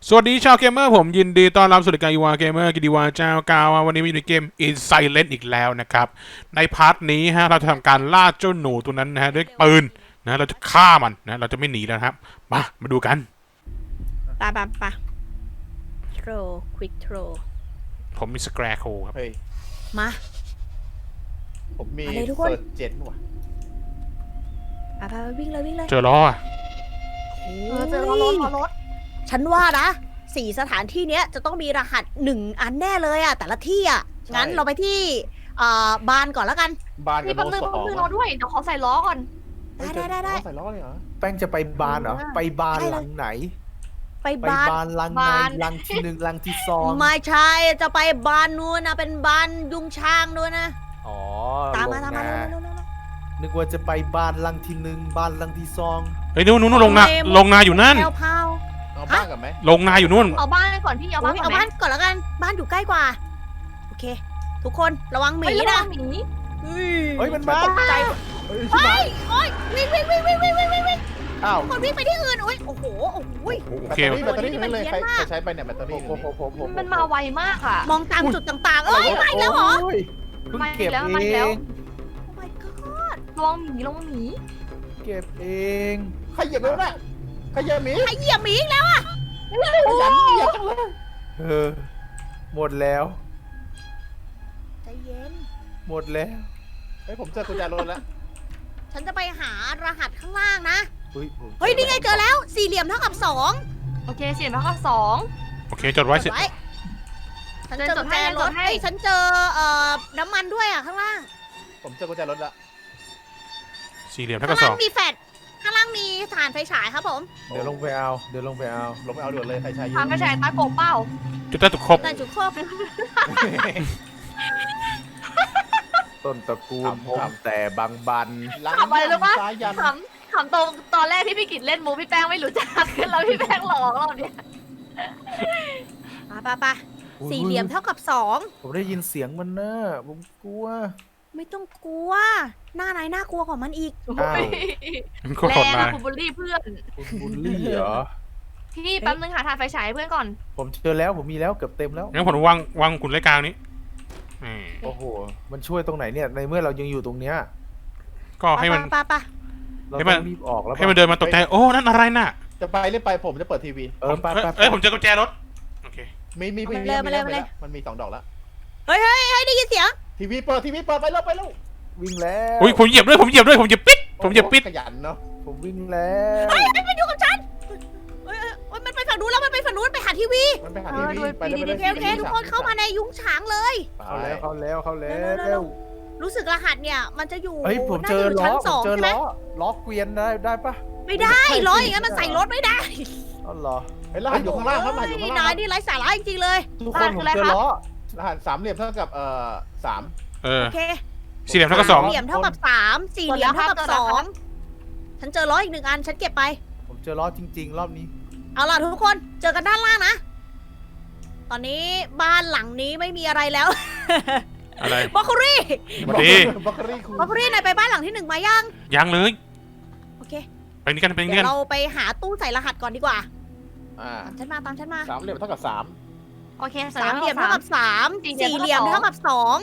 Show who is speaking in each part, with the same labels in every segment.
Speaker 1: สวัสดีชาวเกมเมอร์ผมยินดีต้อนรับสู่รายการอีวาเกมเมอร์กิติวาเจ้ากาววันนี้มีในเกม In Silent อีกแล้วนะครับในพาร์ทนี้ฮะเราจะทำการล่าเจ้าหนูตัวนั้นนะฮะด้วยปืนนะเราจะฆ่ามันนะเราจะไม่หนีแล้วครับมาดูกัน
Speaker 2: ปะโทรควิกโทร
Speaker 1: ผมมีสแคร์โคครับ
Speaker 3: เฮ้ย
Speaker 2: มา
Speaker 3: ผมมี
Speaker 2: มาเลยทุกคน
Speaker 3: เซิร์ชเจนว่ะ
Speaker 2: ไปวิ่งเลย
Speaker 1: เจอล้อ
Speaker 2: เจอรถฉันว่านะ4 สถานที่เนี้ยจะต้องมีรหัส1 อันแน่เลยอะแต่ละที่อะงั้นเราไปที่บานก่อนแล้วกัน
Speaker 3: บานกับ
Speaker 4: นี่
Speaker 3: โน
Speaker 4: แป๊บนึง
Speaker 3: ส
Speaker 4: แป๊
Speaker 3: อบ ง
Speaker 4: นึงรอด้วย เดี๋ยวขอใส่ล้อก่อน
Speaker 2: ได้
Speaker 3: ใส่ล้อเลยเหรอ
Speaker 5: แป้งจะไปบานเหรอ ไปบาน
Speaker 2: ใช่เลย
Speaker 5: หลังไหน
Speaker 2: ไป
Speaker 5: ไป
Speaker 2: บาน
Speaker 5: บานหลังไหนหลังที่ 1หลังที่2
Speaker 2: ไม่ใช่จะไปบานนู้นนะเป็นบานยุงช้างด้วยนะ
Speaker 5: อ๋อ
Speaker 2: ตามมา
Speaker 5: ลง
Speaker 2: เร็ว
Speaker 5: นึกว่าจะไปบานหลังที่1บานหลังที่2
Speaker 1: เฮ้ยนู่นลงนาอยู่นั่น
Speaker 2: แพรว
Speaker 3: เอาบ้านกับไหม
Speaker 1: ลงนาอยู่นู่น
Speaker 4: เอาบ้านก่อนพี่ เอาบ้านก่
Speaker 2: เอา
Speaker 4: อนไหม
Speaker 2: บ้านก่อนแล้วกันบ้านอยู่ใกล้กว่าโอเค ทุกคนระวังหมี
Speaker 4: เฮ้ยระวั
Speaker 2: นะ
Speaker 4: งหมี
Speaker 5: เฮ้ยมันมา
Speaker 2: ตกใจ
Speaker 5: เฮ้ย
Speaker 2: เฮ้ยโอ้ยวิ่ง
Speaker 5: อ้าว
Speaker 2: คนวิ่งไปที่อื่นโอ้ยโอ้โห
Speaker 1: โอ
Speaker 3: แบต
Speaker 1: เค
Speaker 3: เตอรี่นั่นเลยใครใช้ไปเนี่ยแบตเตอรี่
Speaker 4: มันมาไวมากอ่ะ
Speaker 2: มองตามจุดต่างๆ เอ้ยไปแล้วเหรอ
Speaker 5: โยเพิ่งเก็บ
Speaker 4: มา
Speaker 5: เอ
Speaker 4: แล้ว
Speaker 5: ง
Speaker 2: Oh my god
Speaker 4: ระวังหมีระวังหมี
Speaker 5: เก็บเอง
Speaker 3: ใครเหยียบแล้วนะใครเหยียบหมี
Speaker 2: ใครเหยียบหมีอีกแล้วอะ
Speaker 3: ขยันเหยียบจังเลย
Speaker 5: เออหมดแล้ว
Speaker 2: ใจเย็น
Speaker 5: หมดแล้ว
Speaker 3: เฮ้ยผมเจอกุญแจรถแล้ว
Speaker 2: ฉันจะไปหารหัสข้างล่างนะ
Speaker 5: ผม
Speaker 2: เฮ้ย นี่ไงเจอแล้ว สี่เหลี่ยมเท่ากับ
Speaker 4: โอเคเสียงแล้วก็2
Speaker 1: โอเคจดไว้เสร็จ
Speaker 2: ฉันเจอกุญแจรถ
Speaker 4: จดให้
Speaker 2: เฮ้ยฉันเจอน้ำมันด้วยอะข้างล่าง
Speaker 3: ผมเจอกุญแจรถแล้ว
Speaker 1: สี่เหลี่ยม
Speaker 2: ข้า
Speaker 1: เท่าง กับ
Speaker 2: ล่างมีแฟลชข้างล่างมีถ่านไฟฉายครับผม
Speaker 5: เดี๋ยวลงไปเอา
Speaker 3: ลงไปเอาด่วนเลยใครใช้
Speaker 4: ทางกระชายตาโกบเป้า
Speaker 1: จุดได้ตุกครบ
Speaker 2: แต่จุดครบ
Speaker 5: ต้นตระกูลผมแต่บางบัน
Speaker 4: ขับอะไรรู้ปะ
Speaker 3: ซ้ายยัน
Speaker 4: ขำตอนแรกที่พี่กิจเล่นมูพี่แป้งไม่รู้จักแล้วพี่แป้งหลอกเราเนี่ย
Speaker 2: ไปสี่เหลี่ยมเท่ากับ2
Speaker 5: ผมได้ยินเสียงมันนะผมกลัว
Speaker 2: ไม่ต้องกลัว หน้านายน่ากลัวกว่ามันอีก
Speaker 5: อ้าว
Speaker 1: มันก็
Speaker 4: แร
Speaker 1: ขด
Speaker 4: ง
Speaker 1: มา
Speaker 4: อะคุณบุลลี่เพื่อน
Speaker 5: คุณบุลลี่เหรอ
Speaker 4: พี่แป๊บนึงหาทานไฟฉายให้เพื่อนก่อน
Speaker 5: ผมเจอแล้วผมมีแล้วเกือบเต็มแล้ว
Speaker 1: งั้นผมวางคุณไว้กลางนี้อืม
Speaker 5: โอ้โห มันช่วยตรงไหนเนี่ย ในเมื่อเรายังอยู่ตรงเนี้ย
Speaker 1: ก็ให้มัน
Speaker 2: ไป
Speaker 5: เรา
Speaker 1: ให้มัน
Speaker 5: ต้องรีบออกแล้ว
Speaker 1: ให้มันเดินมาตกใจโอ้นั่นอะไรน่ะ
Speaker 3: จะไปหรือไปผมจะเปิดทีวี
Speaker 5: เออไปไป
Speaker 1: เอ้ยผมเจอกุญแจรถโอเค
Speaker 3: มี
Speaker 2: มาเลย
Speaker 3: มันมี2 ดอกแล้ว
Speaker 2: เฮ้ยได้ยินเสียง
Speaker 3: ทีวีเปิดไปแล้ว
Speaker 5: วิ่งแล้ว
Speaker 1: อุ้ยผมเหยียบด้วยผมเหยียบปิดผมเหยียบปิด
Speaker 3: ขยันเนาะ
Speaker 5: ผมวิ่งแล้ว
Speaker 2: มันอยู่กับฉันเฮ้ยมันไปฝั่งนู้นแล้วมันไปฝั่งนู้นไปหาทีวี
Speaker 3: มันไปหาทีวีไปเลย
Speaker 2: โอเคทุกคนเข้ามาในยุ้งฉางเลย
Speaker 5: เข้าแล้ว
Speaker 2: เร็ว รู้สึกรหัสเนี่ยมันจะอยู่
Speaker 5: เฮ้ยผม
Speaker 2: น่า
Speaker 5: เจ
Speaker 2: จะ
Speaker 5: อ
Speaker 2: อยู่
Speaker 5: ล้อ
Speaker 2: ชั้น
Speaker 5: ผ
Speaker 2: ส
Speaker 5: ม
Speaker 2: อง
Speaker 5: เจอ
Speaker 2: ใช่ไหม
Speaker 5: ล้อเกวียนได้ปะ
Speaker 2: ไม่ได้ล้ออย่างนั้นมันใส่รถไม่ได้
Speaker 5: อ๋อเหรอ
Speaker 3: เฮ้ยรหัสอยู่ข้างล่างครับรหัสอยู่ข้าง
Speaker 2: นา
Speaker 3: ล่าย ง
Speaker 2: นี่ไร้สาระจริงๆเลย
Speaker 5: ทุกคนผมเจอล้อ
Speaker 3: รหัส3 เหลี่ยมเท่ากับ3
Speaker 1: เออ
Speaker 2: โอเค
Speaker 1: สี่เหลี่ยมเท่ากับสอง
Speaker 2: เหลี่ยมเท่ากับ3 4เหลี่ยมเท่ากับ2ฉันเจอล้ออีก1 อันฉันเก็บไป
Speaker 5: ผมเจอล้อจริงๆ รอบนี้
Speaker 2: เอาล่ะทุกคนเจอกันด้านล่างนะ ตอนนี้บ้านหลังนี้ไม่มีอะไรแล้ว
Speaker 1: อะไร
Speaker 2: บล็อกโครี่
Speaker 1: สวัสดี
Speaker 3: บัคเกอรี่คู
Speaker 2: บล็อกโครี่นายไปบ้านหลังที่1มายัง
Speaker 1: ยังเลย
Speaker 2: โอเค
Speaker 1: ไปนี่กัน
Speaker 2: เดี๋ยวเราไปหาตู้ใส่รหัสก่อนดีกว่า ตามฉันมา
Speaker 3: 3 เหลี่ยมเท่ากับ
Speaker 4: โอเค
Speaker 2: สามเหลี่ยมเท่ากับ3
Speaker 4: สี่
Speaker 2: สี่
Speaker 4: เห
Speaker 2: เห
Speaker 4: ลี่
Speaker 2: ลี่ย
Speaker 4: ย
Speaker 2: ม
Speaker 4: ม
Speaker 2: เท่า
Speaker 4: เท่ากั
Speaker 2: กับบ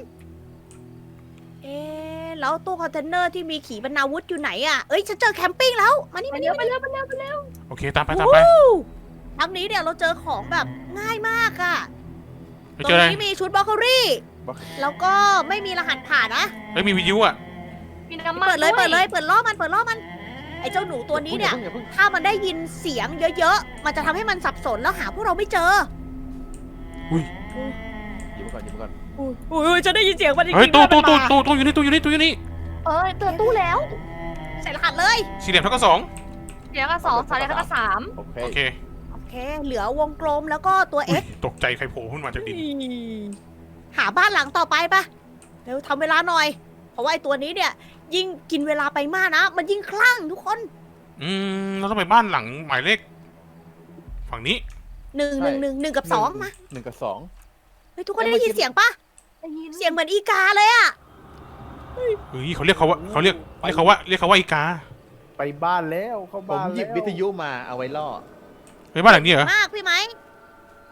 Speaker 2: 2แล้วตู้คอนเทนเนอร์ที่มีขีปนาวุธอยู่ไหนอ่ะเอ้ยฉันเจอแคมปิ้งแล้วมานี่
Speaker 4: ไป
Speaker 2: มา
Speaker 4: เร็
Speaker 2: นี่
Speaker 4: วไปเร็ว
Speaker 1: โอเคตามไป
Speaker 2: ครั้งนี้เนี่ยเราเจอของแบบง่ายมากอ่ะ
Speaker 1: ไป
Speaker 2: ตร
Speaker 1: เจออะไร
Speaker 2: งนี้มีชุดบล็อกโครี่แล้วก็ไม่มีรหัสผ่านนะ
Speaker 1: เฮ้ยมีวิทยุอ่ะ
Speaker 4: มีน้ำมัน
Speaker 2: เปิดเลยเปิดล่อมันไอ้เจ้าหนูตัวนี้เนี่ย ถ้ามันได้ยินเสียงเยอะๆ มันจะทำให้มันสับสนแล้วหาพวกเราไม่เจอ
Speaker 1: อุ้ย
Speaker 3: หยิบก่อน
Speaker 2: อุ้ยจะได้ยินเสียงมันจริงๆ
Speaker 1: เฮ้ยตู้
Speaker 2: ด้วยมันมา
Speaker 1: อยู่นี่
Speaker 4: เจอตู้แล้ว
Speaker 2: ใส่รหัสเลย
Speaker 1: สี่เหลี่ยมเท่ากับสอง
Speaker 4: เดี๋ยวก็2 3เดี๋ยวก็3
Speaker 3: โอเค
Speaker 1: โอเค
Speaker 2: โอเค เหลือวงกลมแล้วก็ตัว X
Speaker 1: ตกใจใครโผล่ขึ้นมาจากดิน
Speaker 2: หาบ้านหลังต่อไปปะเร็วทำเวลาหน่อย เพราะว่าไอ้ตัวนี้เนี่ย ยิ่งกินเวลาไปมากนะ มันยิ่งคลั่งทุกคน
Speaker 1: เราต้องไปบ้านหลังหมายเลขฝั่งนี้
Speaker 2: 1 กับ 2 มา
Speaker 3: 1 กับ 2
Speaker 2: เฮ้ยทุกคนได้ยินเสียงปะเสียงเหมือนอีกาเลยอะ
Speaker 1: เฮ้ยเขาเรียกเขาว่าอีกา
Speaker 5: ไปบ้านแล้วเข้า
Speaker 3: ผม
Speaker 5: บ้าน
Speaker 3: หยิบ
Speaker 5: แล้ว
Speaker 3: วิทยุมาเอาไว้ล่อ
Speaker 1: ไปบ้านหลังนี้เหรอ
Speaker 2: มากพี่ไหม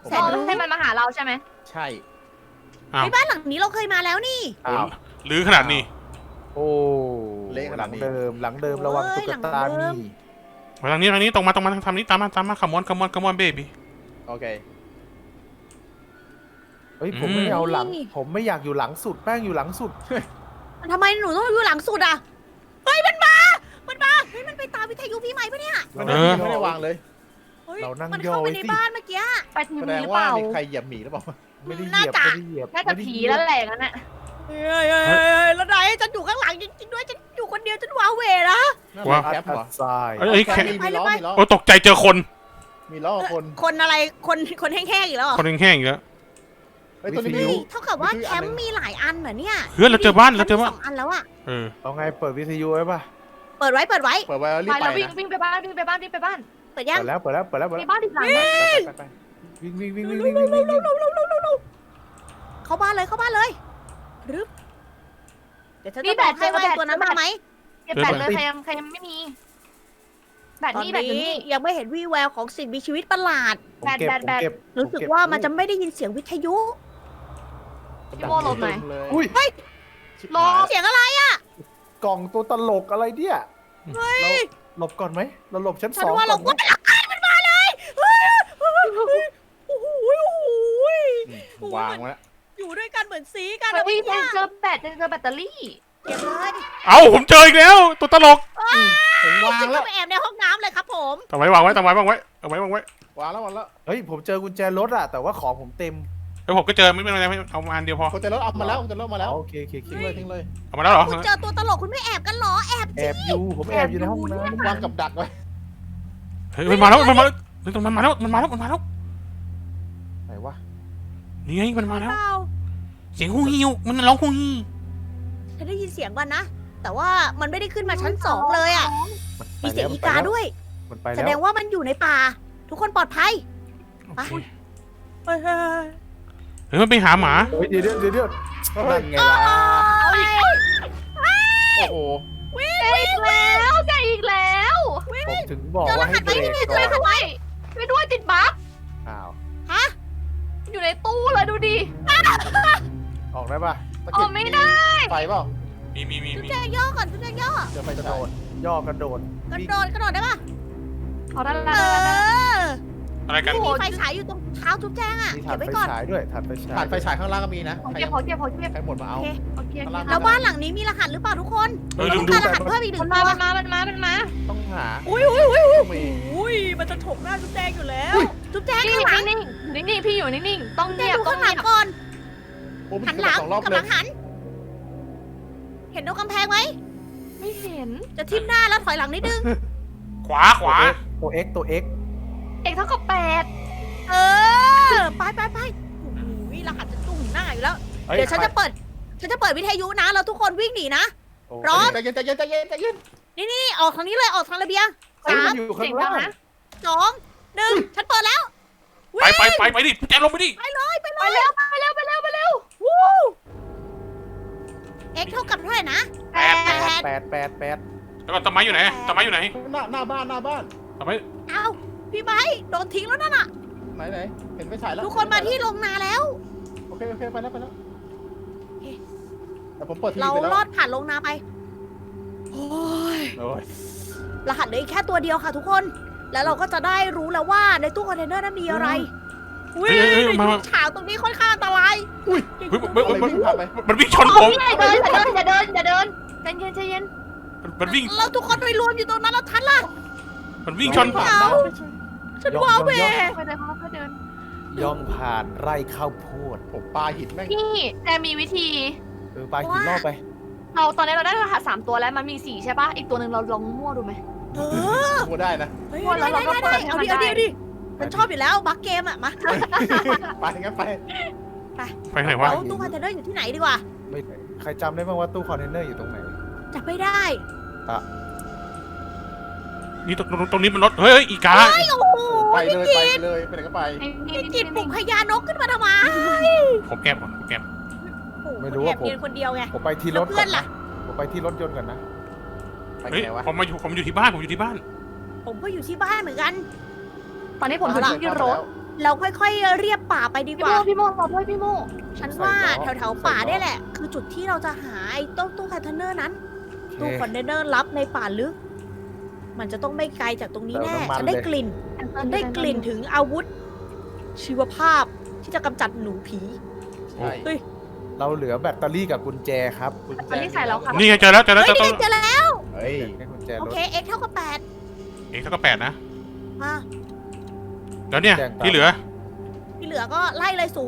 Speaker 2: แสนรู้
Speaker 4: ให้มันมาหาเราใช่ไหม
Speaker 3: ใช่
Speaker 1: อ้าว
Speaker 2: ในบ้านหลังนี้เราเคยมาแล้วนี่
Speaker 5: อ้าว
Speaker 1: หรือขนาดนี้
Speaker 5: โอ้
Speaker 3: เละข
Speaker 5: ห
Speaker 3: นา
Speaker 5: ลั
Speaker 3: ด
Speaker 5: ง
Speaker 3: นี้
Speaker 5: เดิมหลังเดิมระวังตุ๊กตามี
Speaker 1: มาทางนี้ตรงมาทางนี้ตามมาคัมมอนเบบี้
Speaker 3: โอเค
Speaker 5: เฮ้ยผมไม่เอาหลัง ผมไม่อยากอยู่หลังสุดแป้งอยู่หลังสุด
Speaker 2: ทำไมหนูต้องอยู่หลังสุดอ่ะ เฮ้ยมันมาเฮ้ยมันไปตามวิทยุพี่ใหม่ปะเนี่ย
Speaker 3: ไม่ได้วางเลย
Speaker 2: เฮ้ย
Speaker 5: เรานั่ง
Speaker 2: มัน
Speaker 5: ย่อ
Speaker 2: เข้าไป
Speaker 5: ไว้
Speaker 2: ใน
Speaker 5: สิ
Speaker 2: บ้านเมื่อกี้
Speaker 4: ไปที
Speaker 3: แส
Speaker 4: วี
Speaker 3: ดง
Speaker 4: หรือ
Speaker 3: ว่า
Speaker 4: เปล่า
Speaker 3: มีใครเหยียบหมีหรือเปล่า
Speaker 5: ไม่ได้เห
Speaker 2: น่า
Speaker 5: ยียบ
Speaker 2: จะ
Speaker 5: ไม่ได้เหยียบ
Speaker 4: น่าจะผีแล้วแหละงั้นน่ะ
Speaker 2: เฮ้ยแล้วไหนฉันอยู่ข้างหลังจริงๆด้วยฉันอยู่คนเดียวฉันว้าเหวนะ
Speaker 3: นั่นเป็น
Speaker 5: อั
Speaker 3: แค
Speaker 5: ด
Speaker 3: ปเหรอ
Speaker 5: ทราย
Speaker 1: เอ้ยแค่
Speaker 3: มีล้อมีล้อ
Speaker 1: โอ้ตกใจเจอคน
Speaker 3: มีล้อคน
Speaker 2: คนอะไรคนแห้งๆอีกแล้วเหรอ
Speaker 1: คนแห้งๆอีกแล้ว
Speaker 3: เฮ้ยตัวนี้
Speaker 2: เฮ้
Speaker 3: มี
Speaker 2: ยเท่ากับว่าแคมป์มีหลายอันเหรอเนี่ย
Speaker 1: เฮ้ยเราเจอบ้าน
Speaker 2: แคมป์มีสองอันแล้วอะ
Speaker 1: เออ
Speaker 5: เอาไงเปิดวิทยุไว้ป่ะ
Speaker 2: เปิดไว้
Speaker 3: เปิดไว้รี
Speaker 4: ไป
Speaker 3: บไป
Speaker 4: เราวิ่ง
Speaker 3: นะ
Speaker 4: วิ่งไปบ้านวิ่งไปบ้านวิ่งไปบ้าน
Speaker 2: เปิดยัง
Speaker 5: เปิดแล้ว
Speaker 4: มีบ้านอีกหลัง
Speaker 3: ไป
Speaker 5: วิ่ง
Speaker 2: เข้าบ้านเลยรึบเดี๋ยวฉันจะบอกให้ว่าไอ้ตัวนั้นมาไหม
Speaker 4: เก็บแบตเลยใครยังไม่มีแบต
Speaker 2: ตอน
Speaker 4: นี่แบตอยู่
Speaker 2: นี้
Speaker 4: นี่
Speaker 2: ยังไม่เห็นวี่แววของสิ่งมีชีวิตประหลาด
Speaker 5: ผมเก็บ
Speaker 2: รู้สึกว่ามันจะไม่ได้ยินเสียงวิทยุ
Speaker 4: พี่โมหลบหน่อย
Speaker 5: อุ้ย
Speaker 4: หลบ
Speaker 2: เสียงอะไร
Speaker 5: กล่องตัวตลกอะไรเนี่ยเราหลบก่อนไหมเราหลบชั้น
Speaker 2: ฉั
Speaker 5: ส
Speaker 2: น
Speaker 5: อง
Speaker 2: ว่าเรา
Speaker 5: ก่
Speaker 2: ก็
Speaker 5: อนไหม
Speaker 2: หลักการมันมาเลยเฮ้ยโอ้โห
Speaker 3: วางไว้
Speaker 2: อยู่ด้วยกันเหมือนสีกัน
Speaker 4: เฮ้
Speaker 2: นะ
Speaker 4: ย
Speaker 2: พี่
Speaker 4: ยังเจอแบตเตอรี่
Speaker 2: เก็บเลย
Speaker 1: เอ้าผมเจออีกแล้วตัวตลก
Speaker 3: ผมวาง
Speaker 2: ฉัน
Speaker 3: แล้
Speaker 2: เข้าว ไปแอบในห้องน้ำเลยครับผม
Speaker 1: วางไว้เอาไว้เอาไว้
Speaker 3: วางแล้ว
Speaker 5: เฮ้ยผมเจอกุญแจรถอะแต่ว่าของผมเต็ม
Speaker 1: แล้วผมก็เจอไม่เป็นไรเอามาอันเดียวพอ
Speaker 3: คนจะรถเอามาแล้ว
Speaker 5: โอเค
Speaker 3: ทิ้งเลย
Speaker 1: เอามาแล้วเหรอ
Speaker 2: คุณเจอตัวตลกคุณไม่แอบกันเหรอแอบ
Speaker 5: แอบอยู่ผมแอบอยู่ในห้องน้ำ
Speaker 3: วางกับดักไว้
Speaker 1: เฮ้ยมันมาแล้วมันมาแล้ว
Speaker 3: ไหนวะ
Speaker 1: นี่ไงมันมาแล้ว
Speaker 2: เปล่า
Speaker 1: เสียงฮูฮิวมันร้องฮูฮี
Speaker 2: ฉันได้ยินเสียงก่อนนะ แต่ว่ามันไม่ได้ขึ้นมาชั้น2เลยอ่ะมีเสียงอีกาด้วย
Speaker 5: มันไป
Speaker 2: แส
Speaker 5: แล้ว
Speaker 2: ดงว่ามันอยู่ในป่า ทุกคนปลอดภัย
Speaker 1: โอเค
Speaker 2: เฮ้ย
Speaker 1: เฮ้ยมันไปหาหมา
Speaker 5: เฮ้ยเดี๋ยวนั่นไงล่ะ
Speaker 3: โอ้โห
Speaker 4: อีกแล้วใจอีกแล้ว
Speaker 5: ผมถึงบอก
Speaker 2: เจอร
Speaker 5: ว่า
Speaker 2: หั
Speaker 5: ให้
Speaker 2: ส
Speaker 5: เบ
Speaker 2: ไหม
Speaker 5: ร
Speaker 2: นี่
Speaker 5: ก
Speaker 2: เจอรหัสไหม
Speaker 4: ไปด้วยติดบั๊ก
Speaker 5: อ้าว
Speaker 4: อยู่ในตู้เลยดูดิ
Speaker 5: ออกได้ป่ะ
Speaker 4: ออกไม่ได้
Speaker 3: ไฟเปล่า
Speaker 1: มี
Speaker 2: จุ๊บแจงย่อก่อนจุ๊บแจงย่อ
Speaker 3: เจอไฟ
Speaker 5: ก
Speaker 3: จะ
Speaker 5: ระ
Speaker 3: โด
Speaker 5: โด
Speaker 3: ด
Speaker 5: ดย่อกระโดด
Speaker 2: กระโดดได้ปะ
Speaker 4: เอาได้
Speaker 2: เอ
Speaker 4: แล้ว
Speaker 2: อ
Speaker 1: อะไรกัน
Speaker 2: มีไฟฉายอยู่ตรงเท้าจุ๊บแจงอ่ะ
Speaker 5: มีถ่า
Speaker 2: เก็
Speaker 5: น
Speaker 2: บ
Speaker 5: ไฟ
Speaker 2: ไว้ก่อน
Speaker 5: ฉายด้วยถ่านไฟฉาย
Speaker 3: ผ่านไฟฉายข้างล่างก็มีนะ
Speaker 4: ขอ
Speaker 3: ใคร
Speaker 4: เก็บ
Speaker 3: ใครหมดมาเอา
Speaker 2: โอเค
Speaker 4: โอเค
Speaker 2: แล้วบ้านหลังนี้มีรหัสหรือเปล่าทุกคน
Speaker 1: ลื
Speaker 2: ต้
Speaker 1: ม
Speaker 2: อง
Speaker 1: ดู
Speaker 2: การรหัสเพิ่มอีกหนึ่
Speaker 4: มัน
Speaker 2: ง
Speaker 4: มา
Speaker 2: ตัว
Speaker 4: มันมา
Speaker 3: ต้องหา
Speaker 2: อุ้ย
Speaker 3: มี
Speaker 2: มันจะถกหน้าจุ๊บแจงอยู่แล้ว จุ๊บแจง
Speaker 4: นิ่
Speaker 2: ข้างหลัง
Speaker 4: งๆนิ่งๆพี่อยู่นิ่งๆต้อง
Speaker 2: จุ๊บแจ
Speaker 4: เงี
Speaker 2: ง
Speaker 4: ยบ
Speaker 2: ดู
Speaker 4: ต้อง
Speaker 2: ข้างหลั
Speaker 4: เงี
Speaker 2: ง
Speaker 4: ยบ
Speaker 2: ก่อน
Speaker 3: โอ้
Speaker 2: หันหลัง
Speaker 3: 2 รอบ
Speaker 2: กำ
Speaker 3: เล
Speaker 2: ลั
Speaker 3: ย
Speaker 2: งหัน เห็นตรงกำแพงไหม
Speaker 4: ไม่เห็น
Speaker 2: จะทิ่มหน้าแล้วถอยหลังนิดนึง
Speaker 1: ขวา
Speaker 5: ตัว X
Speaker 4: เอกเท่ากับ8
Speaker 2: เออ ไปโอ้โหรหัสจะจุ่มหน้าอยู่แล้ว
Speaker 5: ฮ้
Speaker 2: เดี๋ยวฉันจะเปิดวิทยุนะ แล้วทุกคนวิ่งหนีนะ
Speaker 5: โอ้
Speaker 2: พร้อม
Speaker 3: ใจเย็น
Speaker 2: นี่ออกทางนี้เลยออกทางระเบียง
Speaker 5: เฮ้ย
Speaker 2: สา
Speaker 5: มั
Speaker 2: ม
Speaker 5: นอยู่
Speaker 4: เสี
Speaker 5: ข้าย ง
Speaker 4: งดั
Speaker 5: ล่าง ง
Speaker 4: นะ
Speaker 2: 2 1ฉันเปิดแล้ว
Speaker 1: ไปดิแจลงไปดิ
Speaker 2: ไปเลย
Speaker 4: ไปเร็ว
Speaker 2: วู้เอ็กเท่ากับเท่าไหร่นะ
Speaker 4: แปด
Speaker 5: 8
Speaker 1: แล้วก็ต้นไม้อยู่ไหนต้นไม้อยู่ไหน
Speaker 3: หน้าบ้าน
Speaker 1: ต้นไม้
Speaker 2: เอ้าพี่ไบค์โดนทิ้งแล้วนั่นน่ะ
Speaker 3: ไหนเห็นไฟฉายแล้ว
Speaker 2: ทุกคนมาที่โรงนาแล้ว
Speaker 3: โอเคไปแล้วแต่ผมเปิดทีวี
Speaker 2: เรา
Speaker 3: ไปแล้ว
Speaker 2: ลอดผ่านโรงนาไปโอ้ย
Speaker 3: โอ้ย
Speaker 2: รหัสเหลืออีกแค่ตัวเดียวค่ะทุกคน แล้วเราก็จะได้รู้แล้วว่าในตู้คอนเทนเนอร์นั้นมีอะไรอุ้ยฉากตรงนี้ค่อนข้างอันตราย
Speaker 3: อุ้ย
Speaker 1: อะไร
Speaker 3: วิ่งผ่านไป
Speaker 1: มันวิ่งชนผม
Speaker 4: อย่าเดินใจเย็น
Speaker 1: มันวิ่ง
Speaker 2: แล้วทุกคนไปรวมอยู่ตรงนั้นแล้วทันล่ะ
Speaker 1: มันวิ่งชน
Speaker 3: ผ่านได้
Speaker 2: ฉันว้าเหว
Speaker 4: ค่อยเดิน
Speaker 5: ย่องผ่านไร่ข้าวโพด
Speaker 3: ผมปลาหินแม่ง
Speaker 4: พี่แต่มีวิธี
Speaker 5: ไปกี่รอบไป
Speaker 4: เราตอนนี้เราได้รหัส3ตัวแล้วมันมี4ใช่ปะอีกตัวหนึ่งเราลองมั่วดูไหม
Speaker 2: เออ
Speaker 3: พูดได้นะ
Speaker 2: เฮ้ย
Speaker 4: แล้วเราก็เปิดให้
Speaker 2: เอา
Speaker 4: มัน
Speaker 2: ดิ
Speaker 4: ได้
Speaker 2: มันชอบอยู่แล้วบักเกมอ่ะมา
Speaker 3: ไปงั้นไป
Speaker 1: ไปไหนวะ
Speaker 2: เราตู้คอนเทนเนอร์อยู่ที่ไหนดีกว่า
Speaker 5: ไม่ใครจำได้บ้างว่าตู้คอนเทนเนอร์อยู่ตรงไหน
Speaker 2: จับไม่ได้
Speaker 1: นี่ตรงนี้มันรถเฮ้ยอีกา
Speaker 2: เฮ้ยโอ้โห
Speaker 3: ไปเลยไปไหนก็ไป
Speaker 2: พี่กินปลุกพญานกขึ้นมาทำไม
Speaker 1: ผมแก็บก่อนผมแก็บ
Speaker 5: ไม่รู้ว่าผม
Speaker 2: เพียนคนเดียวไง
Speaker 5: ผมไปที่รถ
Speaker 2: แล้วเพื่
Speaker 5: ก่
Speaker 2: อ
Speaker 5: อน น
Speaker 2: ล่ะ
Speaker 5: นะผมไปที่รถยนต์ก่อนนะ
Speaker 3: ไป
Speaker 1: เฮ้ย
Speaker 3: ไหนวะ
Speaker 1: ผมอยู่ที่บ้าน
Speaker 2: ผมก็อยู่ที่บ้านเหมือนกัน
Speaker 4: ตอนนี้ผมอยู่ที่รถ
Speaker 2: เราค่อยๆเรียบป่าไปดี
Speaker 4: พี่
Speaker 2: ก
Speaker 4: โม
Speaker 2: ว่า
Speaker 4: พี่โมรอด้วยพี่โม
Speaker 2: ฉันว่าแถวๆป่าเนี่ยแหละ คือจุดที่เราจะหาไอ้ตู้คอนเทนเนอร์นั้น ตู้คอนเทนเนอร์ลับในป่าลึก มันจะต้องไม่ไกลจากตรงนี้แน่ ฉันได้กลิ่น ฉันได้กลิ่นถึงอาวุธ ชีวภาพที่จะกำจัดหนูผี
Speaker 3: ใช่
Speaker 2: เฮ้ย
Speaker 5: เราเหลือแบตเตอรี่กับกุญแจครับ
Speaker 3: กุญแจ
Speaker 4: ตอนนี้ใส่แล้วค่ะ
Speaker 1: นี่ไงเจอแล้วเจอแล้ว
Speaker 2: เฮ้ย
Speaker 1: เจอ
Speaker 2: นี่ไงเจอแล้ว
Speaker 3: เฮ้ย
Speaker 5: ให้กุญแจ
Speaker 2: โอ
Speaker 5: รถ
Speaker 2: เค x เท่ากับ8
Speaker 1: เองเท่ากับ8นะ
Speaker 2: มา
Speaker 1: แล้วเนี่ย
Speaker 5: แจ้งตาม
Speaker 1: ที่เหลือ
Speaker 2: ที่เหลือก็ไล่เลย0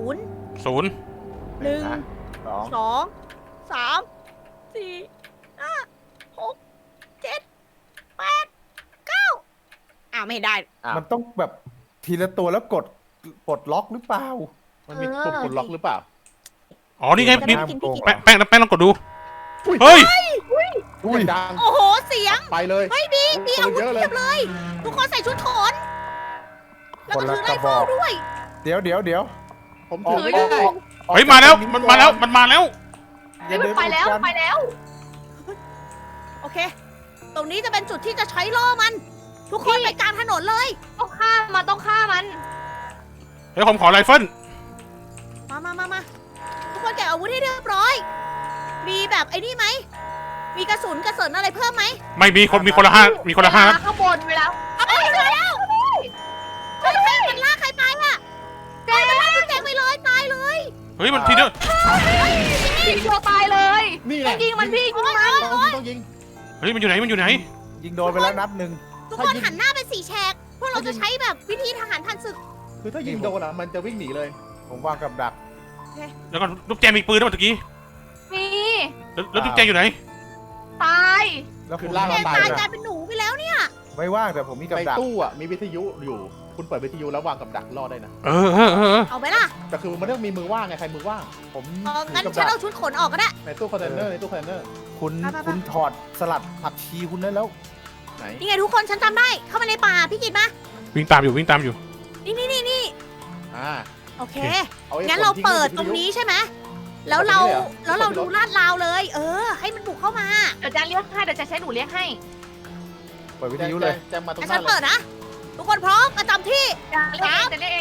Speaker 1: 0
Speaker 2: หนึ่ง
Speaker 3: นะ
Speaker 2: สองสามสี่ห้าหกเจ็ดแปดเก้าไม่ได้
Speaker 5: มันต้องแบบทีละตัวแล้วกดปลดล็อกหรือเปล่า
Speaker 3: มันมีปุ่มกดล็อกหรือเปล่า
Speaker 1: อ๋อนี่ไง
Speaker 2: จะ
Speaker 1: นี่
Speaker 2: ได้กินพี่กิน
Speaker 1: แป้งลองกดดู เฮ้ย
Speaker 3: อุ้ยดัง
Speaker 2: โอ้โห เสียง
Speaker 3: ไปเลย
Speaker 2: เฮ้ยมีอาวุธ
Speaker 3: เยอะเล
Speaker 2: เที
Speaker 3: ย
Speaker 2: ยบเลย ทุกคนใส่ชุดโขนแล้วก็
Speaker 5: คนละ
Speaker 2: ถือก ไร
Speaker 5: ระบ
Speaker 2: เฟิ
Speaker 5: อ
Speaker 2: ล
Speaker 5: ก
Speaker 2: ด้วย
Speaker 5: เดี๋ยว
Speaker 3: ผมถือไม่
Speaker 4: เฮ้ย
Speaker 3: ได้
Speaker 1: เฮ้ยมาแล้วมันมาแล้วมันมาแล้ว
Speaker 4: เฮ้ยมันไปแล้วไปแล้ว
Speaker 2: โอเค ตรงนี้จะเป็นจุดที่จะใช้ล่อมัน ทุกคนไปกลางถนนเลย
Speaker 4: ต้องฆ่ามันต้องฆ่ามัน
Speaker 1: เฮ้ยผมขอไรเฟิล
Speaker 2: มาทุกคนเก็บอาวุธให้เรียบร้อย มีแบบไอ้นี่ไหม มีกระสุนอะไรเพิ่มไหม
Speaker 1: ไม่มีคนละ5มีคนละ5ครับ
Speaker 4: ข้างบนเวลา
Speaker 2: เอาไปเจอแล้วเฮ้ยมันลากใครไปอะเฮ้ยมันลากพี่แจงไปเลยตายเลย
Speaker 1: เฮ้ยมันทีเดียว
Speaker 4: ยิงตัวตายเลย
Speaker 3: นี่แหละ
Speaker 4: ยิงมันพี่ยิงมัน
Speaker 3: ต้องยิง
Speaker 1: เฮ้ยมันอยู่ไหนมันอยู่ไหน
Speaker 5: ยิงโดนไปแล้วนัดหนึ่ง
Speaker 2: ทุกคนหันหน้าเป็น4 แฉก พวกเราจะใช้แบบวิธีทหารพันศึก
Speaker 3: คือถ้ายิงโดนมันจะวิ่งหนีเลย
Speaker 5: ผมวางกับดัก
Speaker 1: แล้วก็ลูกแจมีปืนด้วยเมื่อกี้
Speaker 4: มี
Speaker 1: แล้วลูกแจอยู่ไหน
Speaker 4: ตาย
Speaker 5: แล้ว
Speaker 3: คื
Speaker 5: คุณ
Speaker 3: อลาก
Speaker 2: แจ
Speaker 3: เรา
Speaker 2: ง
Speaker 3: ตาย
Speaker 2: ตายกลายเป็นหนูไปแล้วเนี่ย
Speaker 5: ไม่ว่างแต่ผมมีกับ
Speaker 3: ใน
Speaker 5: ดัก
Speaker 3: ตู้อ่ะมีวิทยุอยู่ คุณเปิดวิทยุแล้ววางกับดักรอได้นะ
Speaker 1: เออ
Speaker 2: เอาไหมล่ะ
Speaker 3: แต่คือมันต้องมีมือว่างไงใครมือว่าง
Speaker 5: ผม
Speaker 2: งั้น
Speaker 5: ถือกับ
Speaker 2: ฉัน
Speaker 5: ดัก
Speaker 2: เอาชุดขนออกก็ได้
Speaker 3: ในตู้คอนเทนเนอร์ในตู้คอนเทนเนอร์
Speaker 5: คุณ
Speaker 2: ไป
Speaker 5: คุณถอดสลัดผักชีคุณได้แล้ว
Speaker 3: ไหน
Speaker 2: นี่ไงทุกคนฉันจำได้ เข้ามาในป่าพี่กิตมา
Speaker 1: วิ่งตามอยู่วิ่งตามอยู่
Speaker 2: นี่
Speaker 3: อ่า
Speaker 2: โอเค
Speaker 3: เอาไว้
Speaker 2: งั้นเรา
Speaker 3: ผมทิ้
Speaker 2: เปิด
Speaker 3: วิทยุ
Speaker 2: ตรงนี้ใช่ไหม แล้วเรา
Speaker 3: เปิดตรงนี้เลยเหรอ
Speaker 2: ดูลาดราวเลย ให้มันบุกเข้ามา
Speaker 4: เดี๋ยวจะเรียกให้เดี๋ยวจะใช้หนูเรียกให้
Speaker 5: เปิดวิทยุเลย
Speaker 3: แจมมาตรง
Speaker 2: งั้น
Speaker 3: ห
Speaker 2: ฉั
Speaker 3: น้าน เล
Speaker 2: เปิ
Speaker 3: ย
Speaker 2: ดนะ ทุกคนพร้อมประจำที่
Speaker 4: จะเรียกเอง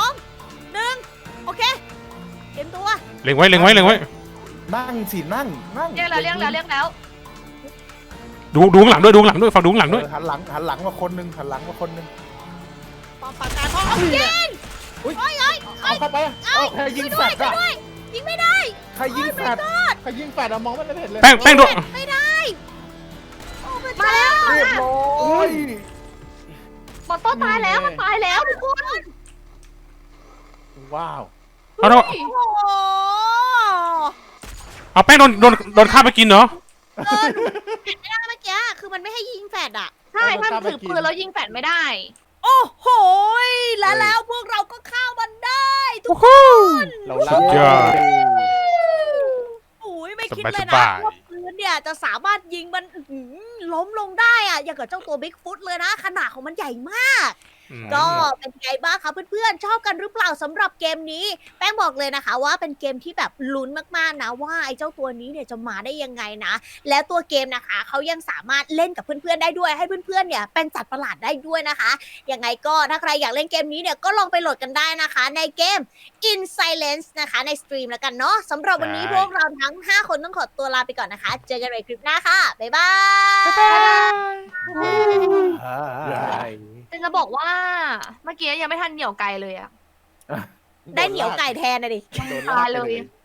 Speaker 2: 2 1 โอเค เตรียมตัว
Speaker 1: เล็งไว้
Speaker 5: นั่งสินั่ง
Speaker 4: เรียกแล้ว
Speaker 1: ดูข้างหลังด้วยฟังดูข้างหลังด้วย
Speaker 5: หันหลังมาคนหนึงหันหลังมาคนหนึง
Speaker 2: ปอมปากกาพร้อมเอายิง
Speaker 3: เอาเข้าไปเอาใครยิงแฟดอะ
Speaker 2: ยิงไม่ได้
Speaker 5: ใครยิงแฟด
Speaker 3: ใครยิงแฟดอะมองไม่เห็นเลย
Speaker 1: แป้งด้วย
Speaker 2: ไม่ได้โอ้พระเจ้า
Speaker 5: เรียบร้อย
Speaker 4: มอนโต้ตายแล้วมันตายแล้วทุกคน
Speaker 3: ว้าว
Speaker 1: เอา
Speaker 2: โอ้โห
Speaker 1: เอาแป้งโดนฆ่าไปกินเหรอ
Speaker 2: ไม่ได้เมื่อกี้คือมันไม่ให้ยิงแฟดอะ
Speaker 4: ใช่ถ้ามันถือปืนแล้วยิงแฟดไม่ได้
Speaker 2: โอ้โหแล้วพวกเราก็เข้ามันได้ทุกคน
Speaker 3: เรา
Speaker 1: สุดยอด
Speaker 2: โอ้ยไม่คิดเลย
Speaker 1: ส
Speaker 2: นะ
Speaker 1: บายๆ
Speaker 2: ว่าปืนเนี่ยจะสามารถยิงมันล้มลงได้อะอย่างกับเจ้าตัวบิ๊กฟุตเลยนะ ขนาดของมันใหญ่มาก ก็เป็นไงบ้างคะเพื่อนๆชอบกันหรือเปล่าสำหรับเกมนี้ แป้งบอกเลยนะคะว่าเป็นเกมที่แบบลุ้นมากๆนะว่าไอ้เจ้าตัวนี้เนี่ยจะมาได้ยังไงนะ แล้วตัวเกมนะคะเขายังสามารถเล่นกับเพื่อนๆได้ด้วยให้เพื่อนๆเนี่ยเป็นสัตว์ประหลาดได้ด้วยนะคะยังไงก็ถ้าใครอยากเล่นเกมนี้เนี่ยก็ลองไปโหลดกันได้นะคะ ในเกม In Silence นะคะในสตรีมแล้วกันเนาะสำหรับวันนี้พวกเราทั้ง5คนต้องขอตัวลาไปก่อนนะคะ เจอกันในคลิปหน้าค่ะบ๊ายบาย
Speaker 4: จะบอกว่าเมื่อกี้ยังไม่ทันเหนี่ยวไกลเลยอะ
Speaker 2: ได้เหนียวไก่แทนนะดิ
Speaker 3: โดน
Speaker 4: ตา
Speaker 3: ลาย ก
Speaker 4: เล
Speaker 3: ไป
Speaker 4: ย
Speaker 3: เลย